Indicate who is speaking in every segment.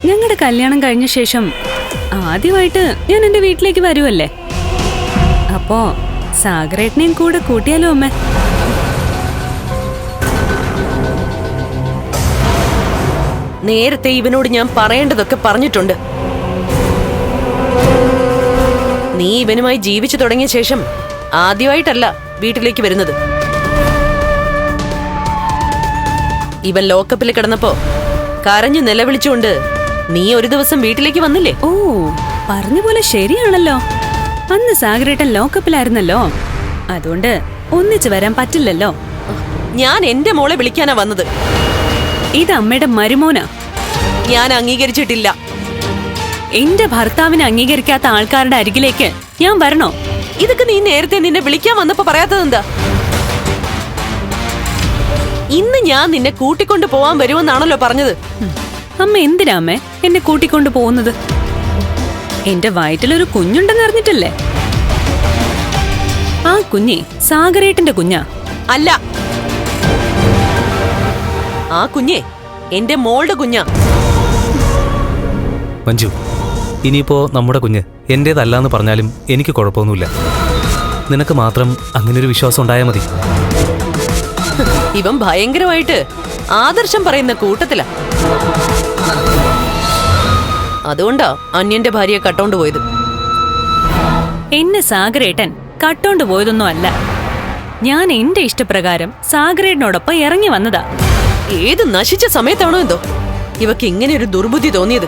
Speaker 1: ഞങ്ങളുടെ കല്യാണം കഴിഞ്ഞ ശേഷം ആദ്യമായിട്ട് ഞാൻ എന്റെ വീട്ടിലേക്ക് വരുമല്ലേ, അപ്പോ സാഗരേട്ടനെയും കൂടെ കൂട്ടിയാലോ അമ്മേ?
Speaker 2: നേരത്തെ ഇവനോട് ഞാൻ പറയേണ്ടതൊക്കെ പറഞ്ഞിട്ടുണ്ട്. നീ ഇവനുമായി ജീവിച്ചു തുടങ്ങിയ ശേഷം ആദ്യമായിട്ടല്ല വീട്ടിലേക്ക് വരുന്നത്. ഇവൻ ലോക്കപ്പിൽ കിടന്നപ്പോ കരഞ്ഞു നിലവിളിച്ചുകൊണ്ട് നീ ഒരു ദിവസം വീട്ടിലേക്ക് വന്നില്ലേ?
Speaker 1: ഓ, പറഞ്ഞ പോലെ ശരിയാണല്ലോ. അന്ന് സാഗരേട്ടൻ ലോക്കപ്പിലായിരുന്നല്ലോ, അതുകൊണ്ട് ഒന്നിച്ചു വരാൻ പറ്റില്ലല്ലോ.
Speaker 2: ഞാൻ എന്റെ മോളെ വിളിക്കാനാ വന്നത്.
Speaker 1: ഇത് അമ്മയുടെ മരുമോനാ.
Speaker 2: ഞാൻ അംഗീകരിച്ചിട്ടില്ല.
Speaker 1: എന്റെ ഭർത്താവിനെ അംഗീകരിക്കാത്ത ആൾക്കാരുടെ അരികിലേക്ക് ഞാൻ വരണോ?
Speaker 2: ഇതൊക്കെ നീ നേരത്തെ നിന്നെ വിളിക്കാൻ വന്നപ്പോ പറയാത്തതെന്താ? ഇന്ന് ഞാൻ നിന്നെ കൂട്ടിക്കൊണ്ടു പോവാൻ വരുമെന്നാണല്ലോ പറഞ്ഞത്.
Speaker 1: അമ്മ എന്തിനാ അമ്മേ എന്നെ കൂട്ടിക്കൊണ്ടു പോകുന്നത്? എന്റെ വയറ്റിലൊരു കുഞ്ഞുണ്ടെന്ന് അറിഞ്ഞിട്ടല്ലേ? ആ കുഞ്ഞെ സാഗരേട്ടന്റെ കുഞ്ഞാ.
Speaker 2: അല്ല, ആ കുഞ്ഞെ എന്റെ മോളുടെ കുഞ്ഞാ.
Speaker 3: മഞ്ജു, ഇനിയിപ്പോ നമ്മുടെ കുഞ്ഞ് എന്റേതല്ലാന്ന് പറഞ്ഞാലും എനിക്ക് കുഴപ്പമൊന്നുമില്ല. നിനക്ക് മാത്രം അങ്ങനൊരു വിശ്വാസം ഉണ്ടായാൽ മതി.
Speaker 2: ഇവൻ ഭയങ്കരമായിട്ട് ആദർശം പറയുന്ന കൂട്ടത്തിലാ. അതുകൊണ്ടാ അന്യന്റെ ഭാര്യയെ കട്ടോണ്ട് പോയത്.
Speaker 1: എന്നെ സാഗരേട്ടൻ കട്ടോണ്ട് പോയതൊന്നും അല്ല. ഞാൻ എന്റെ ഇഷ്ടപ്രകാരം സാഗരേട്ടനോടൊപ്പം ഇറങ്ങി വന്നതാ.
Speaker 2: ഏത് നശിച്ച സമയത്താണോ എന്തോ ഇവക്ക് ഇങ്ങനെ ഒരു ദുർബുദ്ധി തോന്നിയത്.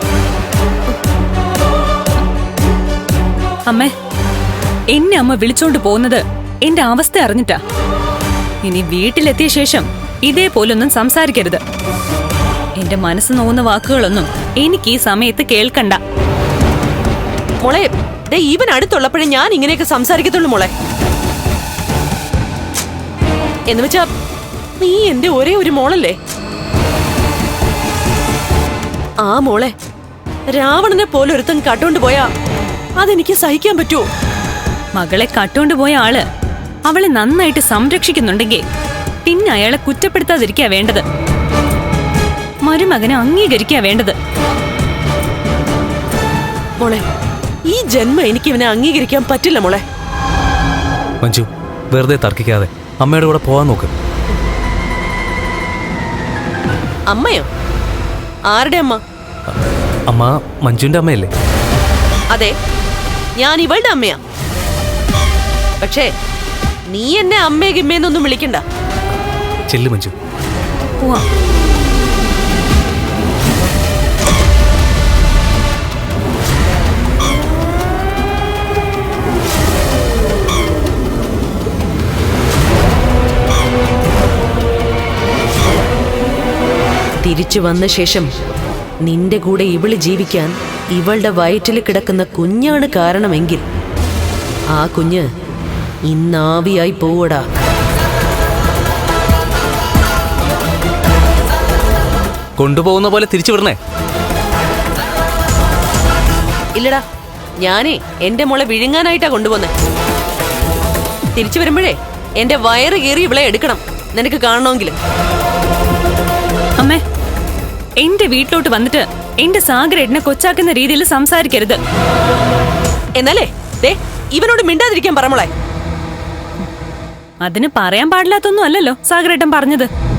Speaker 1: അമ്മേ, എന്നെ അമ്മ വിളിച്ചോണ്ട് പോകുന്നത് എന്റെ അവസ്ഥ അറിഞ്ഞിട്ടാ. ഇനി വീട്ടിലെത്തിയ ശേഷം ഇതേപോലൊന്നും സംസാരിക്കരുത്. എന്റെ മനസ്സ് നോവുന്ന വാക്കുകളൊന്നും എനിക്ക് ഈ സമയത്ത് കേൾക്കണ്ട.
Speaker 2: മോളെ, ഇവൻ അടുത്തുള്ളപ്പോഴേ ഞാൻ ഇങ്ങനെയൊക്കെ സംസാരിക്കത്തുള്ളൂ മോളെ. എന്ന് വെച്ചാ നീ എന്റെ ഒരേ ഒരു മോളല്ലേ? ആ മോളെ രാവണനെ പോലെ ഒരുത്തൻ കട്ടോണ്ട് പോയാ അതെനിക്ക് സഹിക്കാൻ പറ്റുമോ?
Speaker 1: മകളെ കട്ടോണ്ട് പോയ ആള് അവളെ നന്നായിട്ട് സംരക്ഷിക്കുന്നുണ്ടെങ്കിൽ പിന്നെ അയാളെ കുറ്റപ്പെടുത്താതിരിക്കാ വേണ്ടത്. മരുമകനെ അംഗീകരിക്കാ വേണ്ടത്.
Speaker 2: മോളെ, ഈ ജന്മം എനിക്ക് ഇവനെ അംഗീകരിക്കാൻ പറ്റില്ല മോളെ.
Speaker 3: മഞ്ജു, വെറുതെ തർക്കിക്കാതെ അമ്മയുടെ കൂടെ പോവാൻ നോക്ക്.
Speaker 2: അമ്മയോ? ആരുടെ അമ്മ?
Speaker 3: അമ്മ മഞ്ജുവിന്റെ അമ്മയല്ലേ?
Speaker 2: അതെ, ഞാൻ ഇവളുടെ അമ്മയാ. പക്ഷേ നീ എന്നെ അമ്മേ ഗിമ്മേന്നൊന്നും വിളിക്കണ്ട.
Speaker 3: ചെല്ലു മഞ്ജു.
Speaker 1: പോവാ.
Speaker 2: തിരിച്ചു വന്ന ശേഷം നിന്റെ കൂടെ ഇവള് ജീവിക്കാൻ ഇവളുടെ വയറ്റിൽ കിടക്കുന്ന കുഞ്ഞാണ് കാരണമെങ്കിൽ ആ കുഞ്ഞ് ഇന്നാവിയായി പോവടാ.
Speaker 3: കൊണ്ടുപോകുന്ന പോലെ തിരിച്ചു വിടണേ?
Speaker 2: ഇല്ലടാ, ഞാനേ എന്റെ മോളെ വിഴുങ്ങാനായിട്ടാ കൊണ്ടുപോന്നെ. തിരിച്ചു വരുമ്പോഴേ എന്റെ വയറ് കീറി ഇവളെ എടുക്കണം, നിനക്ക് കാണണമെങ്കിൽ.
Speaker 1: അമ്മേ, എന്റെ വീട്ടിലോട്ട് വന്നിട്ട് എന്റെ സാഗരേട്ടനെ കൊച്ചാക്കുന്ന രീതിയിൽ സംസാരിക്കരുത്.
Speaker 2: എന്നാലേ ഇവനോട് മിണ്ടാതിരിക്കാൻ പറ മോളെ.
Speaker 1: അതിന് പറയാൻ പാടില്ലാത്തൊന്നും അല്ലല്ലോ സാഗരേട്ടൻ പറഞ്ഞത്.